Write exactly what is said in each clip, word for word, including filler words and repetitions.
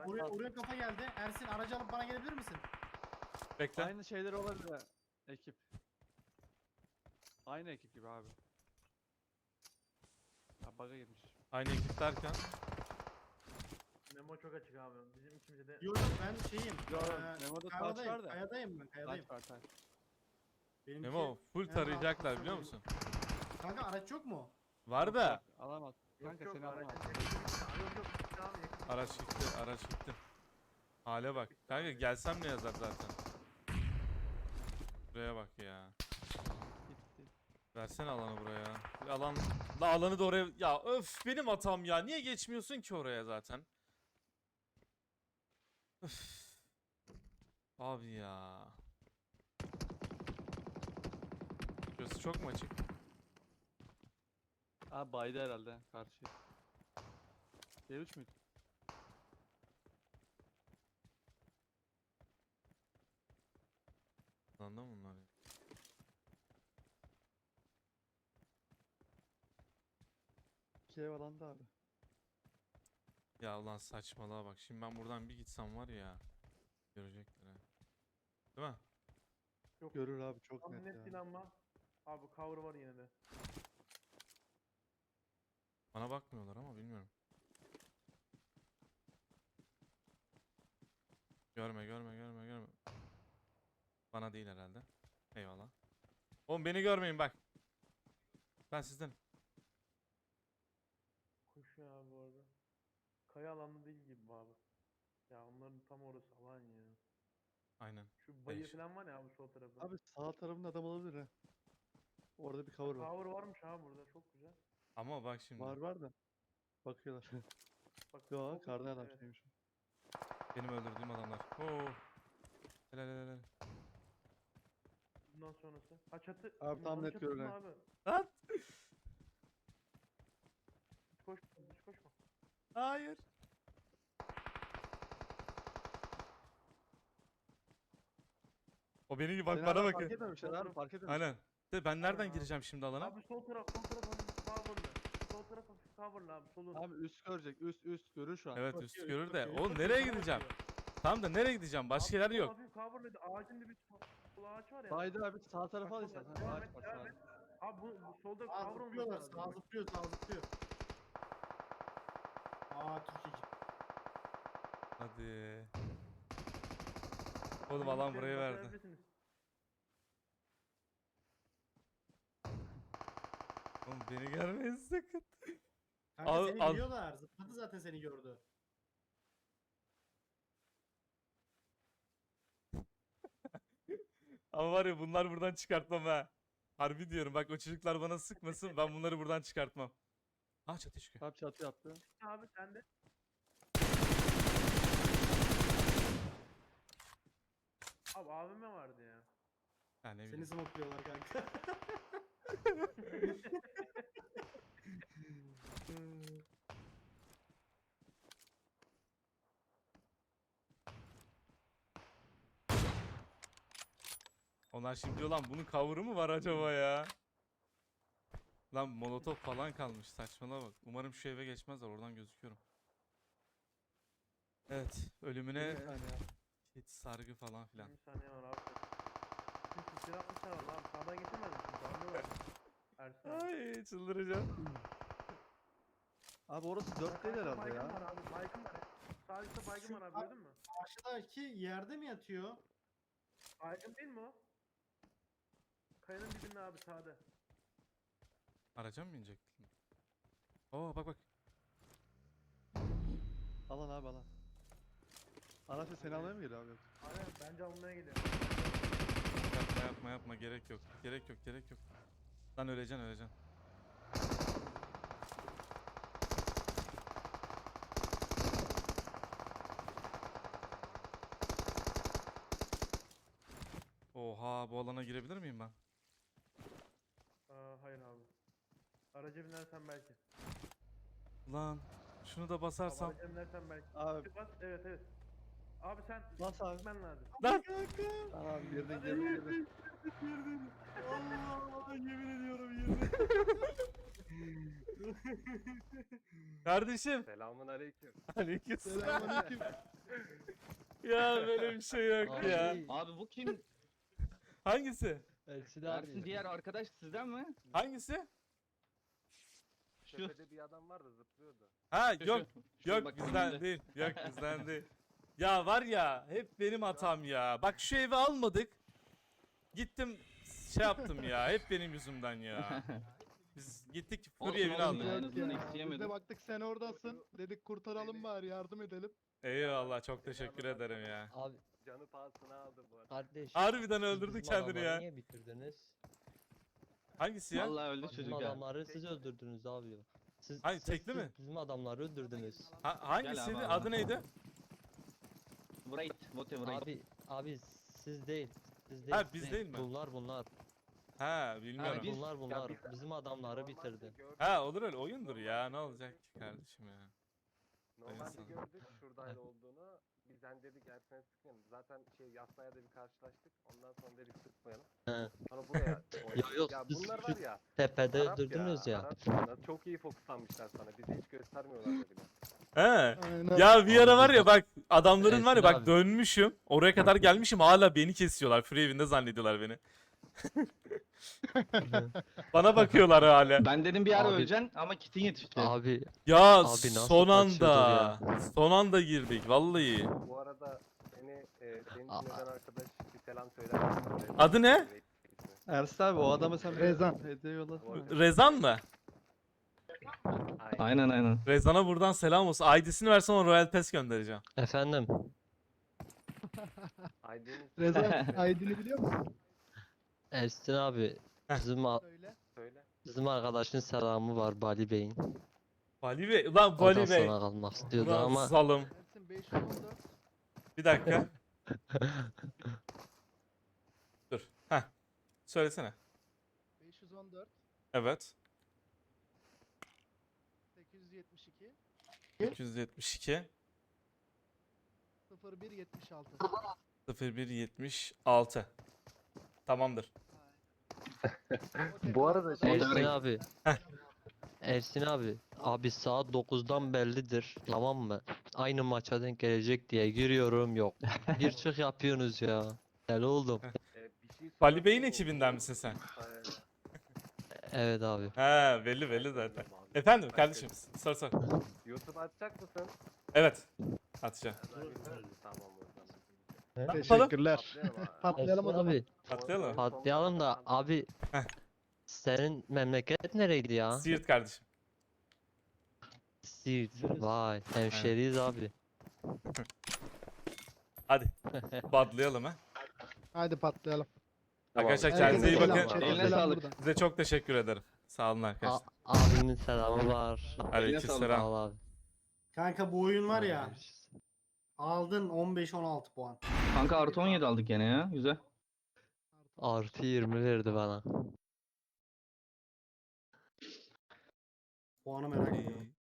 araç Oraya, al. oraya kafa geldi. Ersin aracı alıp bana gelebilir misin? Bekle. Aynı şeyler olabilir ha. Ekip. Aynı ekip gibi abi. Ha bug'a girmiş. Aynı ekip derken. Memo çok açık abi. Bizim ikimize de Yok yok ben şeyim. Yok, eee, Memo'da taç kayadayım, var da. Kayadayım ben kayadayım. Taç var taç. Benimki Memo full en tarayacaklar rahat biliyor kısım musun? benim. Kanka araç yok mu? Var da. Yok, alamaz. yok Kanka yok seni alamaz. aracın yakın bir Yok yok tamam yakın. Araç gitti, araç gitti. Hale bak. Kanka gelsem ne yazar zaten. Buraya bak ya. Gitti. Versene alanı buraya. Bir alan da alanı da oraya. Ya öf benim hatam ya. Niye geçmiyorsun ki oraya zaten? Öf. Abi ya. Şurası çok mu açık? Abi baydı herhalde karşı. B üç müydü? Anladın mı bunlar ya? İki ev alanda abi. Ya ulan saçmalığa bak. Şimdi ben buradan bir gitsem var ya. Görecekler ha. Değil mi? Yok. Görür abi çok Tam net net ya. değil ama. Abi cover var yine de. Bana bakmıyorlar ama bilmiyorum. Görme görme görme görme. Bana değil herhalde. Eyvallah. Oğlum beni görmeyin bak. Ben sizden. Koşuyor abi bu arada. Kaya alanı değil gibi bu abi. Ya onların tam orası alan ya. Aynen. Şu bayı Değişik. falan var ya abi sol tarafı. Abi sağ tarafında adam olabilir ha. Orada bir cover var. Cover varmış abi burada çok güzel. Ama bak şimdi. Var var da. Bakıyorlar. Bak Yo sol- kardan adam evet. şeymiş. Benim öldürdüğüm adamlar. Oo. Helal helal helal. Bundan sonrası. Ha çatı. Abi tam Bunların net çatısı mı görünen. abi? Lan. Hiç koşma hiç koşma. Hayır. O beni gibi bak Seni bana hala bakın. Fark etmemişler abi fark etmemişler. Aynen. De ben nereden Aynen abi. gireceğim şimdi alana? Abi sol taraf sol taraf hafif coverlı. Sol taraf hafif coverlı abi solun. Abi üst görecek üst üst görür şu an. Evet Bakıyor, üst üst görür de. bakıyor, üst Oğlum bakıyor, nereye sana gideceğim? bakıyor. Tamam da nereye gideceğim? Başka yer Abi, yok. Hafif coverlı ağacın dibi sol ağaç var ya. Baydı abi sağ tarafa al Bak, istersen. devam Ağaç et, var devam sağda. et. Abi bu, bu solda Sağa cover olması zıplıyorlar, lazım. sağa zıplıyor, sağa zıplıyor. Aa Türkiye. Hadi. Oğlum alan buraya verdi. Başarabilirsiniz. Oğlum beni görmeyin sakın. Kanka Al- seni al. biliyorlar. Zıpladı zaten seni gördü. Ama var ya bunlar buradan çıkartmam ha. Harbi diyorum bak o çocuklar bana sıkmasın ben bunları buradan çıkartmam. Ah çatı çıkıyor. Abi çatı yaptı. Abi sen de. Abi A V M vardı ya. Ha ne Seni bileyim. smokluyorlar kanka. Onlar şimdi diyor lan bunun cover'ı mı var acaba ya? Lan molotof falan kalmış saçmalama bak. Umarım şu eve geçmezler oradan gözüküyorum. Evet ölümüne Bir saniye abi. hiç sargı falan filan. yirmi saniye var abi. Şimdi silah atmışlar var abi. Sağdan geçemez misin? Darlı var. Ersin. Ay çıldıracağım. Abi orası dört değil herhalde Baygın ya. var abi. Baygın var. Sağ üstte baygın Şu- var abi gördün mü? Karşıdaki yerde mi yatıyor? Baygın değil mi o? Kayanın dibinde abi sağda. Araca mı binecektin? Oo bak bak. Alan abi alan. Araçla seni almaya mı geliyor abi yoksa? Aynen bence almaya geliyor. Yapma yapma yapma gerek yok. Gerek yok gerek yok. Lan öleceksin öleceksin. Oha bu alana girebilir miyim ben? Aa, hayır abi. Araca binersen belki. Lan şunu da Abi basarsam. araca binersen belki. Abi Bas, evet evet. Abi sen bas abi. gitmen lazım. Lan! Tamam abi girdin girdin girdin. Allah yemin ediyorum yemin. Kardeşim. Selamun aleyküm. Aleykümselam. Selamünaleyküm. Ya böyle bir şey yok Abi, ya. Abi bu kim? Hangisi? Ersin Ersin abi. diğer arkadaş sizden mi? Hangisi? Şu. Tepede bir adam var da zıplıyordu. Ha Şu, yok. şu Yok bak bizden önünde. değil. Yok bizden değil. Ya var ya hep benim hatam ya. Bak şu evi almadık. Gittim şey yaptım ya. Hep benim yüzümden ya. Biz gittik Fury Olsun, evini olsun aldık. ya, en Yok azından ya, eksi Biz yemedim. de baktık sen oradasın. Dedik kurtaralım bari yardım edelim. Eyvallah çok teşekkür ederim ya. Abi Canı pahasına aldı bu arada. kardeş. Harbiden siz öldürdü bizim kendini adamları ya. Niye bitirdiniz? Hangisi ya? Vallahi öldü Bizim çocuk ya. adamları siz öldürdünüz abi. Siz, Hangi, siz- tekli siz mi? Bizim adamları öldürdünüz. Ha, hangisiydi? abi, Adı abi. neydi? Wright, whatever. Wright. Abi abi siz değil. Siz değil. Ha, siz biz değil mi? Bunlar bunlar. Ha bilmiyorum. biz- bunlar bunlar. biz- Bizim adamları bitirdi. Ha olur öyle oyundur ya ne olacak ki kardeşim ya. Normalde Hayırlısı. gördük şuradaydı olduğunu. Bizden dedik Ersin'e sıkmayalım. Zaten şey Yasna'ya da bir karşılaştık. Ondan sonra dedik sıkmayalım. He. Sonra buraya oynadık. yok, Ya siz bunlar şu var ya. Tepede Arap öldürdünüz ya. Arap ya. Çok iyi fokuslanmışlar sana. Bizi hiç göstermiyorlar da bile. He. Aynen. Ya bir ara Abi var biz ya de- bak adamların var ya Ersin bak abi. dönmüşüm. Oraya kadar gelmişim hala beni kesiyorlar. Free evinde zannediyorlar beni. Bana bakıyorlar hala. Ben dedim bir ara Abi- öleceksin ama kitin yetişti. Abi Ya Abi nasıl son kaçıyordur anda. ya? Son anda girdik vallahi. Bu arada seni e, senin Aa. için eden arkadaş bir selam söyler misin? Adı ne? Ersin abi o adama sen bir Rezan. hediye yollasana. Rezan mı? Aynen. Aynen aynen. Rezan'a buradan selam olsun. I D'sini versen ona Royal Pass göndereceğim. efendim. Aydın Rezan Aydın'ı biliyor musun? Ersin abi. Heh. Bizim a- Söyle. söyle. bizim arkadaşın selamı var Bali Bey'in. Bali Bey. Ulan O da Bali Bey. sana kalmak istiyordu Ulan ama salım. Ersin beş yüz on dört. Bir dakika. Dur. Heh. Söylesene. beş yüz on dört. Evet. sekiz yüz yetmiş iki. iki yüz yetmiş iki. sıfır bir yetmiş altı. sıfır bir yetmiş altı. Tamamdır. Bu arada şey- Ersin Orada- abi. Heh. Ersin abi. Abi saat dokuzdan bellidir. Tamam mı? Aynı maça denk gelecek diye giriyorum yok. Bir çık yapıyorsunuz ya. Deli oldum. e, bir şey Bali sormak Bey'in için ekibinden oldu. misin sen? Aynen. Evet abi. He belli belli zaten. Abi, Efendim başka- kardeşim sor sor. YouTube atacak mısın? Evet. Atacağım. Tamam o zaman. Ne yapalım? Teşekkürler. Atlayalım abi. Patlayalım o Ersin zaman. abi. Atlayalım. Patlayalım da abi. Heh. Senin memleket nereydi ya? Siirt kardeşim. Siirt. Vay. Hemşeriyiz abi. Hadi. Badlayalım ha. Hadi patlayalım. Arkadaşlar Tamam. kendinize iyi Herkese bakın. selam, chat, Eline selam sağlık. buradan. Size çok teşekkür ederim. Sağ olun A arkadaşlar. abimin selamı var. Aleykümselam. Sağ ol abi. Kanka bu oyun var ya. Aldın on beş on altı puan. Kanka artı on yedi aldık gene ya. Güzel. Artı yirmi verdi bana. Puanı merak ediyorum.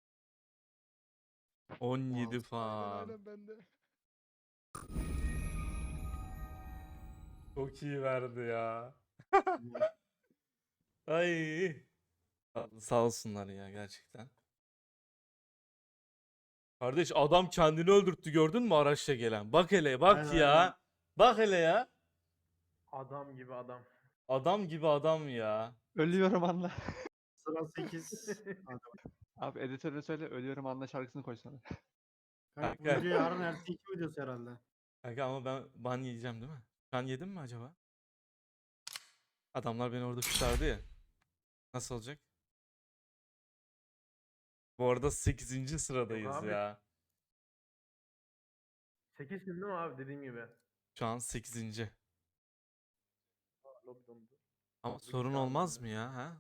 on yedi Aynen falan. aynen ben de. Çok iyi verdi ya. Ay. Sağ olsunlar ya gerçekten. Kardeş adam kendini öldürttü gördün mü araçla gelen? Bak hele bak Aynen, ya. aynen. Bak hele ya. Adam gibi adam. Adam gibi adam ya. Ölüyorum anla. Sıra sekiz. Abi editörüne söyle ölüyorum anla şarkısını koysana. Kanka bu Kanka. video yarın ertesi iki videosu herhalde. Kanka ama ben ban yiyeceğim değil mi? Ben yedim mi acaba? Adamlar beni orada kurtardı ya. Nasıl olacak? Bu arada sekizinci sıradayız abi. ya. sekizsin değil mi abi dediğim gibi? Şu an sekizinci. Lobi dondu. Ama Abi sorun güzel olmaz oldu. mı ya? Ha?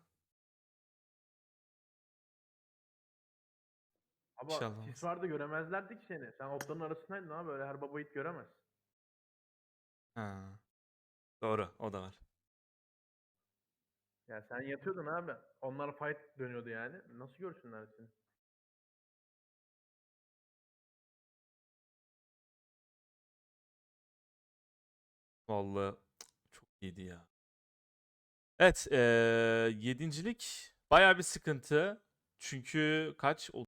Ama İnşallah sis vardı göremezlerdi ki seni. Sen otların arasındaydın abi öyle her baba yiğit göremez. Ha. Doğru, o da var. Ya sen yatıyordun abi. Onlar fight dönüyordu yani. Nasıl görsünler seni? Vallahi çok iyiydi ya. Evet, eee yedincilik baya bir sıkıntı. Çünkü kaç?